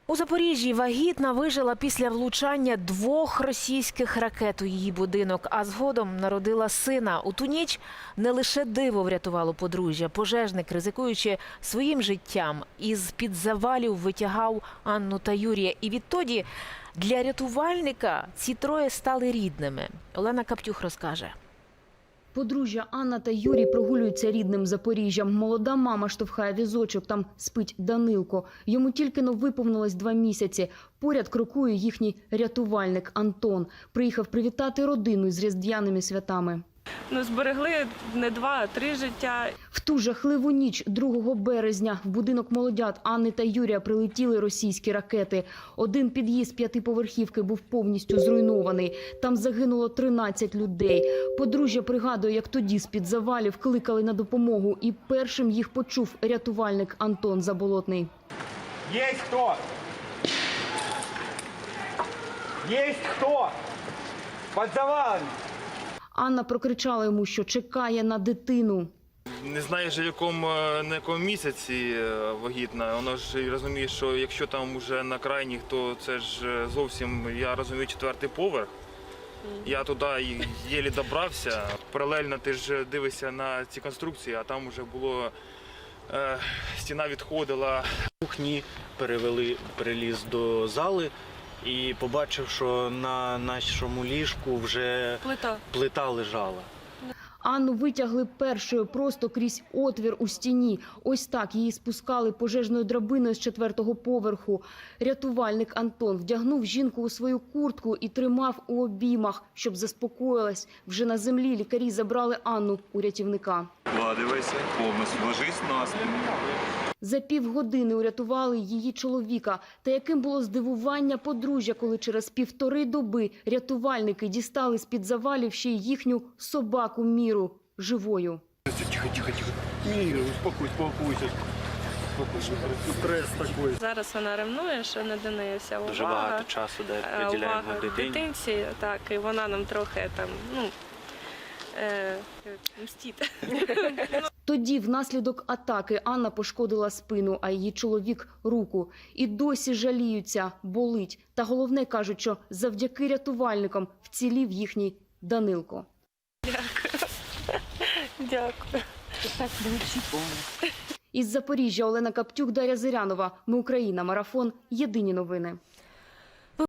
У Запоріжжі вагітна вижила після влучання 2 російських ракет у її будинок, а згодом народила сина. У ту ніч не лише диво врятувало подружжя. Пожежник, ризикуючи своїм життям, із-під завалів витягав Анну та Юрія. І відтоді для рятувальника ці троє стали рідними. Олена Каптюх розкаже. Подружжя Анна та Юрій прогулюються рідним Запоріжжям. Молода мама штовхає візочок, там спить Данилко. Йому тільки-но виповнилось 2 місяці. Поряд крокує їхній рятувальник Антон. Приїхав привітати родину з різдвяними святами. Зберегли не 2, а 3 життя. В ту жахливу ніч 2 березня в будинок молодят Анни та Юрія прилетіли російські ракети. Один під'їзд 5-поверхівки був повністю зруйнований. Там загинуло 13 людей. Подружжя пригадує, як тоді з-під завалів кликали на допомогу. І першим їх почув рятувальник Антон Заболотний. Есть кто? Есть кто? Под завалами. Анна прокричала йому, що чекає на дитину. Не знаєш, на якому місяці вагітна. Воно ж розуміє, що якщо там вже на крайніх, то це ж зовсім, я розумію, 4-й поверх. Я туди єлі добрався. Паралельно ти ж дивишся на ці конструкції, а там вже було, стіна відходила. В кухні переліз до зали і побачив, що на нашому ліжку вже плита лежала. Анну витягли першою просто крізь отвір у стіні. Ось так її спускали пожежною драбиною з 4-го поверху. Рятувальник Антон вдягнув жінку у свою куртку і тримав у обіймах, щоб заспокоїлась. Вже на землі лікарі забрали Анну у рятівника. Вкладывайся, повністю ложись на спину. За півгодини урятували її чоловіка. Та яким було здивування подружжя, коли через 1,5 доби рятувальники дістали з-під завалів ще й їхню собаку Міру живою. Тихо. Міра, успокойся. Стрес такий. Зараз вона ревнує, що не до неї вся увага. Дуже багато часу приділяємо увага дитині. дитинці, так, і вона нам трохи там, мстить. Тоді внаслідок атаки Анна пошкодила спину, а її чоловік – руку. І досі жаліються, болить. Та головне, кажуть, що завдяки рятувальникам вцілів їхній Данилко. Дякую. Із Запоріжжя Олена Каптюх, Дар'я Зирянова. Ми Україна. Марафон. Єдині новини.